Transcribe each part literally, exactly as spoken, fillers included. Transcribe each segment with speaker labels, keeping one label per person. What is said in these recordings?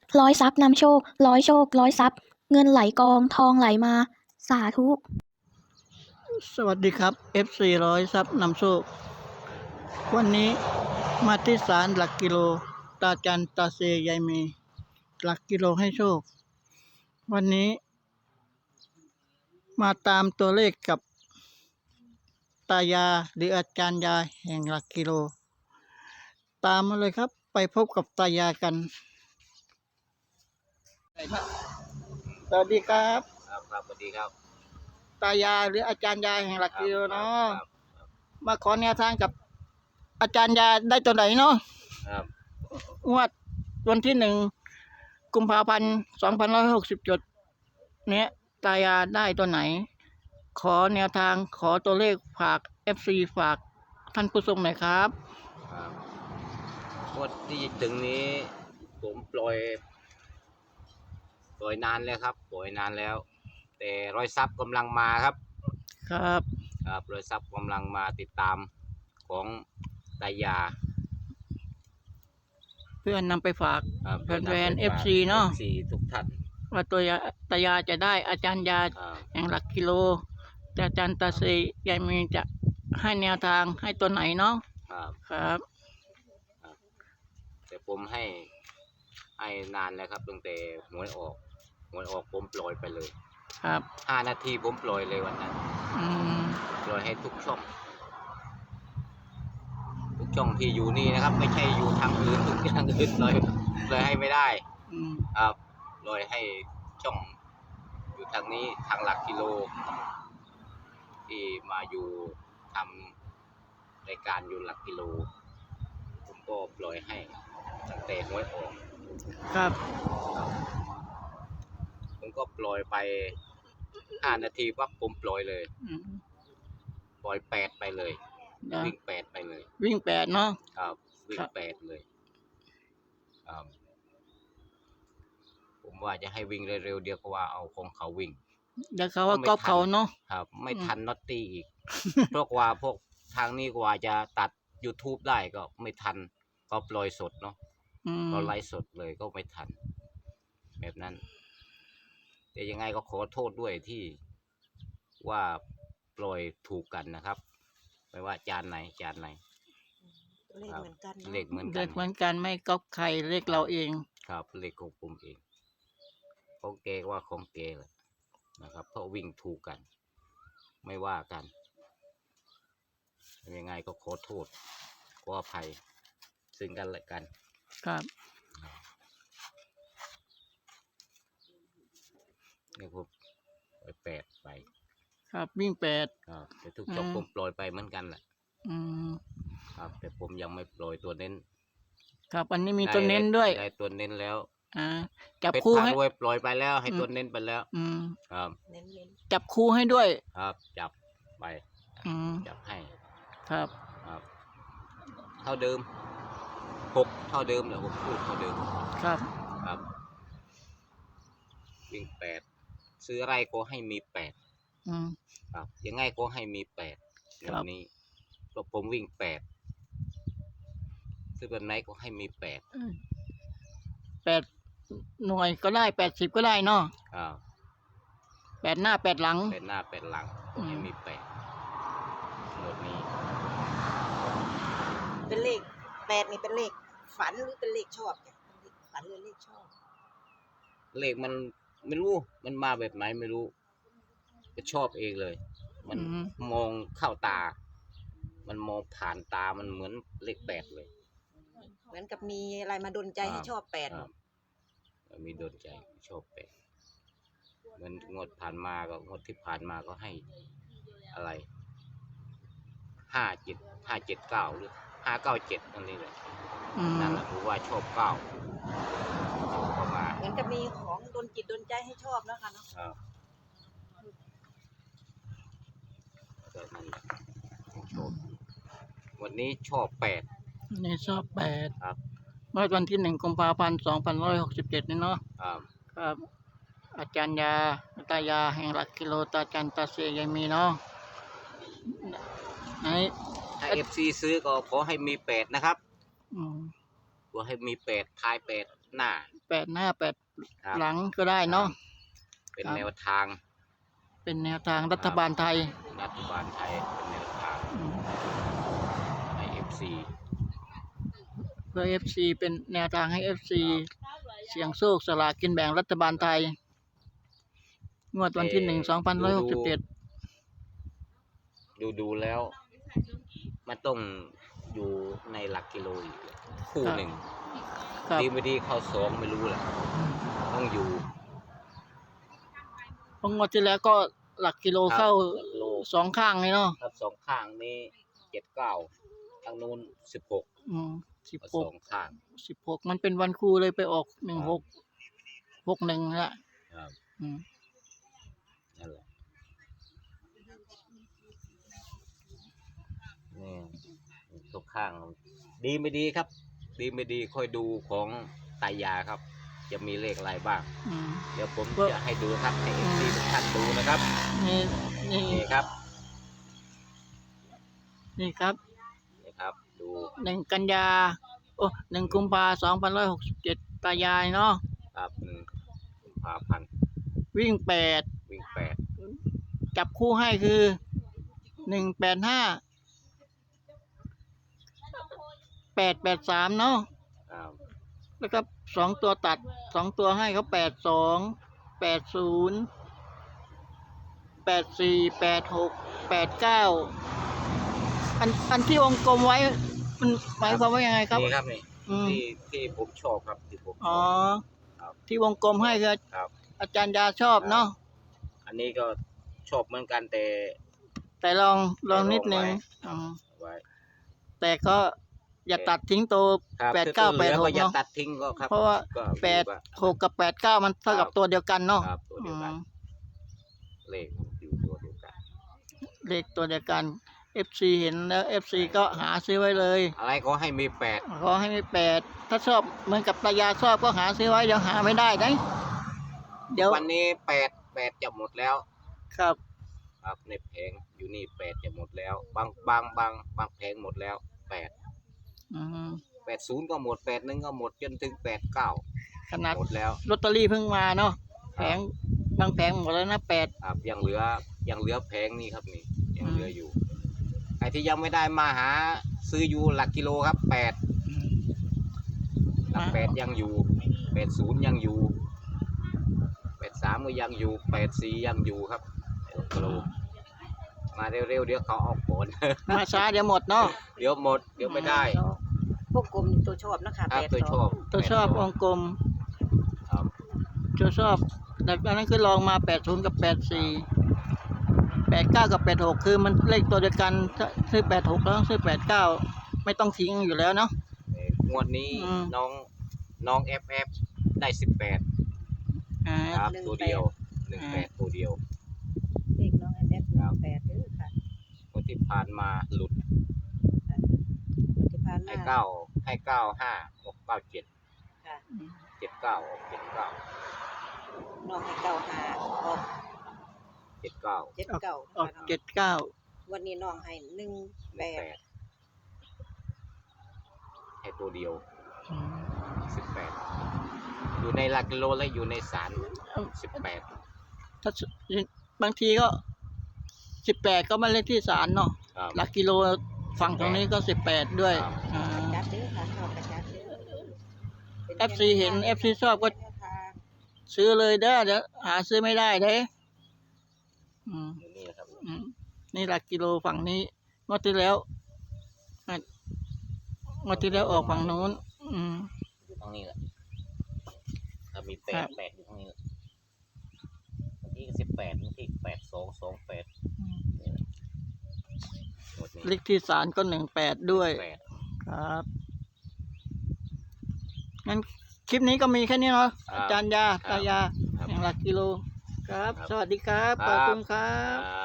Speaker 1: ร้อยทรัพย์นำโชคร้อยโชคร้อยทรัพย์เงินไหลกองทองไหลมาสาธุ
Speaker 2: สวัสดีครับ เอฟ ซี ร้อยทรัพย์นำโชควันนี้มาที่ศาลหลักกิโลตาจันตาเซยายมีหลักกิโลให้โชควันนี้มาตามตัวเลขกับตายาหรืออาจารย์ยาแห่งหลักกิโลตามมาเลยครับไปพบกับตายากันสวัสดีครับ
Speaker 3: ครับครับสวัสดีครับ
Speaker 2: ตายาหรืออาจารย์ยาแห่งหลักกิโลเนาะ
Speaker 3: ครับ
Speaker 2: มาขอแนวทางกับอาจารย์ยาได้ตัวไหนเนาะ
Speaker 3: ครับ
Speaker 2: งวดวันที่หนึ่งกุมภาพันธ์สองพันร้อยหกสิบจุดเนี้ยตายาได้ตัวไหน ขอแนวทางขอตัวเลขฝาก เอฟ ซี ฝากท่านผู้ชมหน่อยครับ
Speaker 3: ครับงวดที่ถึงนี้ผมปล่อยปล่อยนานแล้วครับปล่อยนานแล้ว แต่รอยซับกำลังมาครับ
Speaker 2: ครับ
Speaker 3: ครับรอยซับกำลังมาติดตามของตายา
Speaker 2: เพื่อนนำไปฝาก
Speaker 3: ครับ
Speaker 2: แฟนๆ เอฟ ซี เนาะ
Speaker 3: เอฟ ซี ทุกท่าน
Speaker 2: ว่าตัวยาตายาจะได้อาจารย์ยา
Speaker 3: ครับ
Speaker 2: แห่งหลักกิโลแต่อาจารย์ตาเซยายมีจะให้แนวทางให้ตัวไหนเนาะ
Speaker 3: ครับ
Speaker 2: ครับ
Speaker 3: แต่ผมให้ให้นานแล้วครับตั้งแต่หวยออกหวยออกผมปล่อยไปเลย
Speaker 2: ครับ
Speaker 3: ห้านาทีผมปล่อยเลยวันนั้น
Speaker 2: อืม
Speaker 3: ปล่อยให้ทุกช่อง ทุกช่องที่อยู่นี่นะครับ ไม่ใช่อยู่ทางอื่นทุกอย่างอื่นเลยเลยให้ไม่ได้
Speaker 2: อืม
Speaker 3: ครับเลยให้ช่องอยู่ทางนี้ทางหลักกิโล ที่มาอยู่ทำรายการอยู่หลักกิโล ผมก็ปล่อยให้ตั้งแต่หวยออก
Speaker 2: ครับ
Speaker 3: ผมก็ปล่อยไปห้านาทีปั๊บผมปล่อยเลย
Speaker 2: อืม
Speaker 3: ปล่อยแปดไปเลย
Speaker 2: เดี๋ยว
Speaker 3: วิ่งแปดไปเลย
Speaker 2: วิ่งแปดเนาะ
Speaker 3: ครับวิ่
Speaker 2: ครั
Speaker 3: ง
Speaker 2: บ
Speaker 3: แปดเลยครับผมว่าจะให้วิ่งเร็วๆเดียวก็ว่าเอาของเขาวิ่ง
Speaker 2: เดี๋ยวเขาว่าก๊อปเขาเนาะ
Speaker 3: ครับ ไม่
Speaker 2: อืม
Speaker 3: ทันน็อตตี้อีก เพราะว่าพวกทางนี้กว่าจะตัด YouTube ได้ก็ไม่ทันก็ปล่อยสดเนาะ
Speaker 2: อืม
Speaker 3: ก็ไลฟ์สดเลยก็ไม่ทัน แบบนั้น แต่ยังไงก็ขอโทษด้วยที่ว่าปล่อยถูกกันนะครับ ไม่ว่าจานไหนจานไหน
Speaker 4: เลขเหมือนกัน
Speaker 3: เลขเหมือนกั
Speaker 2: เด็
Speaker 3: น
Speaker 2: กเหมือนกันไม่ก๊อปใครเรียกเราเอง
Speaker 3: ครับเลขของผมเองของเกว่าของเกแหละนะครับ เพราะวิ่งถูกกัน ไม่ว่ากันยังไงก็ขอโทษขออภัยซึ่งกันและกัน
Speaker 2: ครับ
Speaker 3: นี่ผมปล่อยแปดไป
Speaker 2: ครับวิ่งแปด
Speaker 3: ครับแต่ทุกช่อง
Speaker 2: อืม
Speaker 3: ผมปล่อยไปเหมือนกันแหละ
Speaker 2: อืม
Speaker 3: ครับ แต่ผมยังไม่ปล่อยตัวเน้น
Speaker 2: ครับอันนี้มีตัวเน้นด้วย
Speaker 3: ได้ตัวเน้นแล้ว
Speaker 2: อ่าจับ
Speaker 3: เพชร
Speaker 2: คู่
Speaker 3: พา
Speaker 2: ให้
Speaker 3: รวยปล่อยไปแล้ว ให้
Speaker 2: อืม
Speaker 3: ตัวเน้นไปแล้ว
Speaker 2: อืม
Speaker 3: ครับ
Speaker 4: เน้นเน้น
Speaker 2: จับคู่ให้ด้วย
Speaker 3: ครับจับไป
Speaker 2: อืม
Speaker 3: จับให้
Speaker 2: ครับ
Speaker 3: ครับ เท่าเดิมหกเท่าเดิมแหละผมพูดเท่าเดิม
Speaker 2: ครับ
Speaker 3: ครับ วิ่งแปดซื้ออะไรก็ให้มีแปด
Speaker 2: อืม
Speaker 3: ครับ ยังไงก็ให้มีแปด
Speaker 2: ครั
Speaker 3: วั
Speaker 2: บ
Speaker 3: นนี้เพราะผมวิ่งแปดซื้อแบบไหนก็ให้มีแปด
Speaker 2: แปดหน่วยก็ได้แปดสิบก็ได้เนาะ
Speaker 3: ครับ
Speaker 2: แปดหน้าแปดหลัง
Speaker 3: แปดหน้าแปดหลัง
Speaker 2: อืม
Speaker 3: ให้มีแปดหมดนี้
Speaker 4: เป็นเลขแปดนี่เป็นเลขฝันหรือเป็นเลขชอบจ้ะเป็นเลขฝันหรือเลขชอบ
Speaker 3: เลขมันไม่รู้มันมาแบบไหนไม่รู้ก็ชอบเองเลย มัน
Speaker 2: อืม
Speaker 3: มองเข้าตา มันมองผ่านตามันเหมือนเลขแปดเลย
Speaker 4: เหมือนกับมีอะไรมาดลใจให้ชอบแปด
Speaker 3: ครับมีโดนใจชอบแปดเหมือนงวดผ่านมาก็งวดที่ผ่านมาก็ให้อะไรห้าเจ็ดห้าเจ็ดเก้าหรือห้าเก้าเจ็ดนั่นนี่แหละ
Speaker 2: อืม
Speaker 3: นั่นแหละผมว่าชอบเก้าเข้ามา
Speaker 4: เหมือนกับมีของดนจิตดนใจให้ชอบนะคะเนาะ
Speaker 3: ครับก็นั่นแหละชอบวันนี้ชอบแปด
Speaker 2: นี่ชอบแปด
Speaker 3: ครับ
Speaker 2: เมื่อวันที่หนึ่งกุมภาพันธ์สองพันร้อยหกสิบเจ็ดนี่เนาะ
Speaker 3: ครับ
Speaker 2: ครับ อาจารย์ยาตายาแห่งหลักกิโลตาจันตาเซยายมีเนาะไหน
Speaker 3: ถ้าเอฟซีซื้อก็ขอให้มีแปดนะครับ
Speaker 2: อืม
Speaker 3: ขอให้มีแปดท้ายแปดหน้า
Speaker 2: แปดหน้าแปด
Speaker 3: ครับ
Speaker 2: หลังก็ได้เนาะ
Speaker 3: เป็น
Speaker 2: ครับ
Speaker 3: แนวทาง
Speaker 2: เป็นแนวทางรัฐบาลไทย
Speaker 3: รัฐบาลไทยเป็นแนวทาง
Speaker 2: อืม
Speaker 3: ให้ เอฟ ซี
Speaker 2: เพื่อ เอฟ ซี เป็นแนวทางให้ เอฟ ซี เสี่ยงโชคสลากกินแบ่งรัฐบาลไทย งวดวันที่หนึ่งสองพันร้อยหกสิบเจ็ด
Speaker 3: ดูดูแล้ว มันต้องอยู่ในหลักกิโลอีกคู่หนึ่ง
Speaker 2: ครับ
Speaker 3: ดีไม่ดีเข้าสองไม่รู้แหละต้องอยู่
Speaker 2: เพราะงวดที่แล้วก็หลักกิโล
Speaker 3: ครับ
Speaker 2: เข้า
Speaker 3: โล
Speaker 2: สองข้างเลยเนาะ
Speaker 3: ครับสองข้างนี้เจ็ดเก้าทางนู้นสิบหก
Speaker 2: อืมสิบห
Speaker 3: ส
Speaker 2: ก
Speaker 3: องข้าง
Speaker 2: สิบหกมันเป็นวันครูเลยไปออกหนึ่งหกหกหนึ่งละ
Speaker 3: ครับ
Speaker 2: อืม
Speaker 3: นั่นแหละนี่ทุกข้าง ดีไม่ดีครับ ดีไม่ดีค่อยดูของตายาครับ จะมีเลขอะไรบ้าง
Speaker 2: อืม
Speaker 3: เดี๋ยวผม
Speaker 2: ก็
Speaker 3: จะให้ดูครับให้เอฟซีทุกท่านดูนะครับ
Speaker 2: นี่นี่
Speaker 3: นี่ครับ
Speaker 2: นี่ครับ
Speaker 3: นี่ครับ ดู
Speaker 2: หนึ่งกันยาโอ้หนึ่งกุมภาสองพันร้อยหกสิบเจ็ดตายายเนาะ
Speaker 3: ครับหนึ่งกุมภาพันธ์
Speaker 2: วิ่งแปด
Speaker 3: วิ่งแปด
Speaker 2: จับคู่ให้คือหนึ่งแปดห้าแปดแปดสามเนาะ
Speaker 3: ครับ
Speaker 2: แล้วก็สองตัวตัดสองตัวให้เขาแปดสองแปดศูนย์แปดสี่แปดหกแปดเก้าอันอันที่วงกลมไว้มันหมายความว่ายังไงครับ
Speaker 3: นี่ครับนี่
Speaker 2: อืม
Speaker 3: ที่ที่ผมชอบครับที่ผมช
Speaker 2: อ๋อ
Speaker 3: อบครับ
Speaker 2: ที่วงกลมให้คือ
Speaker 3: ครับ
Speaker 2: อาจารย์ยาชอบเนาะ
Speaker 3: อันนี้ก็ชอบเหมือนกันแต่
Speaker 2: แต่ลองลองนิดนึง
Speaker 3: ไว้
Speaker 2: อืม
Speaker 3: ไว้
Speaker 2: แต่ก็อย่าตัดทิ้งตัว
Speaker 3: ครับ
Speaker 2: แปดเก้า
Speaker 3: คือ
Speaker 2: แปดห
Speaker 3: เหลื
Speaker 2: ก
Speaker 3: ออย่า
Speaker 2: เนาะ
Speaker 3: ตัดทิ้งก็ครับ
Speaker 2: เพราะว่า
Speaker 3: ก็
Speaker 2: แปด
Speaker 3: อยู่
Speaker 2: หกกับแปดเก้ามันเท่ากับตัวเดียวกันเนาะ
Speaker 3: ครับตัวเดียวกัน
Speaker 2: อืม
Speaker 3: เลขอยู่ตัวเดียวกัน
Speaker 2: เลขตัวเดียวกัน เอฟ ซี เห็นแล้ว เอฟ ซี ก็หาซื้อไว้เลย
Speaker 3: อะไรก็ให้มีแปด
Speaker 2: ขอให้มีแปดถ้าชอบเหมือนกับตายาชอบก็หาซื้อไว้เดี๋ยวหาไม่ได้นะเดี๋ยว
Speaker 3: วันนี้แปดแปดจะหมดแล้ว
Speaker 2: ครับ
Speaker 3: ครับในแผงอยู่นี่แปดจะหมดแล้ว บางบางบางบางแผงหมดแล้วแปด
Speaker 2: อืม
Speaker 3: แปดศูนย์ก็หมดแปดหนึ่งก็หมดจนถึงแปดเก้า
Speaker 2: ขนาด
Speaker 3: หมดแล้ว
Speaker 2: ลอตเตอรี่เพิ่งมาเนาะแผงบางแผงหมดแล้วนะแปด
Speaker 3: ครับยังเหลือยังเหลือแผงนี่ครับนี่ยังเหลืออยู่ไอ้ที่ยังไม่ได้มาหาซื้ออยู่หลักกิโลครับแปดหลักแปดยังอยู่แปดศูนย์ยังอยู่แปดสามก็ยังอยู่แปดสี่ยังอยู่ครับหลักกิโลมาเร็วๆเดี๋ยวเขาเอาผล
Speaker 2: มาช้าเดี๋ยวหมดเนาะ
Speaker 3: เดี๋ยวหมดเดี๋ยวไม่ได้
Speaker 4: พวกกลมนี่ตัวชอบนะคะ
Speaker 3: ครับ
Speaker 4: แปด
Speaker 3: ตัว
Speaker 4: ส
Speaker 3: ช
Speaker 4: อ
Speaker 3: อง บ
Speaker 2: ตัวชอบวงกลม
Speaker 3: ครับ
Speaker 2: ตัวชอบแต่อันนั้นคือลองมาแปดศูนย์กับแปดสี่แปดเก้ากับแปดหกคือมันเลขตัวเดียวกันถ้าซื้อแปดหกแล้วต้องซื้อแปดเก้าไม่ต้องทิ้งอยู่แล้วเนาะ
Speaker 3: เอ่องวดนี้
Speaker 2: อืม
Speaker 3: น้องน้องเอฟเอฟได้สิบแปด
Speaker 2: อ่า
Speaker 3: ครับตัวเดียวหนึ่งแปดตัวเดียว
Speaker 4: เลขน้องแอฟแอฟน้องแปดเด้อค่ะ
Speaker 3: คนที่ผ่านมาหลุด
Speaker 4: วันที่ผ่าน
Speaker 3: ให้
Speaker 4: มา
Speaker 3: เก้าให้เก้าห้าหกเก้าเจ็ด
Speaker 4: ค่ะ
Speaker 3: เจ็ดเก้าออกเจ็ดเก้า
Speaker 4: น้องให้เก้าหาออก
Speaker 3: เจ็ดเก้า
Speaker 4: เจ็ดเก้า
Speaker 2: ออกเจ็ดเก้า
Speaker 4: วันนี้น้องให้หนึ่ง
Speaker 3: ห
Speaker 4: แป
Speaker 3: นึ่งแป
Speaker 4: ด
Speaker 3: ดให้ตัวเดียวสิบแปดอยู่ในหลักกิโลและอยู่ในสารสิบแปด
Speaker 2: ถ้าบางทีก็สิบแปดก็มาเล่นที่ศาลเนาะ
Speaker 3: ครับ
Speaker 2: หลักกิโลฝั่งตรงนี้ก็สิบแปดด้วย
Speaker 3: ครับ
Speaker 2: อ่า
Speaker 4: จัดเด้อค่ะชอบกระจัดเด้อ
Speaker 2: เอฟ ซี เห็น เอฟ ซี ชอบก็ซื้อเลยเด้อเดี๋ยวหาซื้อไม่ได้เด้อืม
Speaker 3: อยู่นี่นะครับ
Speaker 2: อืมนี่หลักกิโลฝั่งนี้งวดที่แล้วอ่ะงวดที่แล้วออกฝั่งนู้น อืม
Speaker 3: อยู่ตรงนี้แหละถ้ามีแป
Speaker 2: ครั
Speaker 3: ด
Speaker 2: บ
Speaker 3: แปดอยู่ตรงนี้แหละบางทีก็สิบแปดบางทีแปดสองสองแปดนี่แหละหมดนี้
Speaker 2: เลขที่ศาลก็หนึ่งแปดด้วย
Speaker 3: แปด
Speaker 2: ครับงั้นคลิปนี้ก็มีแค่นี้เนาะ
Speaker 3: ครับ
Speaker 2: อาจารย์ยาตายา
Speaker 3: ครับ
Speaker 2: แห่งหลักกิโล ครับ
Speaker 3: ครับ
Speaker 2: สวัสดีครับ
Speaker 3: ค
Speaker 2: ข
Speaker 3: รับ
Speaker 2: อบคุณครั
Speaker 3: ค
Speaker 2: บ
Speaker 3: รับ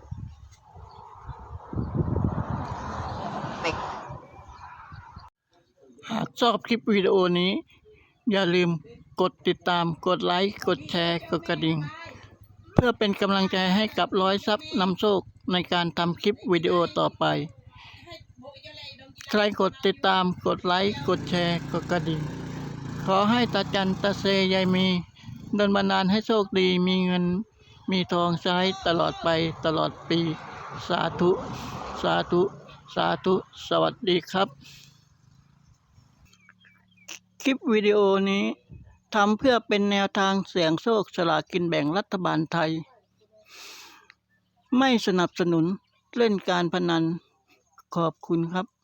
Speaker 2: หากชอบคลิปวิดีโอนี้ อย่าลืมกดติดตาม กดไลค์ กดแชร์ กดกระดิ่ง เพื่อเป็นกำลังใจให้กับร้อยซับนำโชคในการทำคลิปวิดีโอต่อไป ใครกดติดตาม กดไลค์ กดแชร์ กดกระดิ่ง ขขอให้ตาจันตาเซยายมีดลบันดาลให้โชคดีมีเงินมีทองใช้ตลอดไปตลอดปี สาธุ สาธุ สาธุ สวัสดีครับ คลิปวิดีโอนี้ทำเพื่อเป็นแนวทางเสี่ยงโชคสลากกินแบ่งรัฐบาลไทย ไม่สนับสนุนเล่นการพนัน ขอบคุณครับ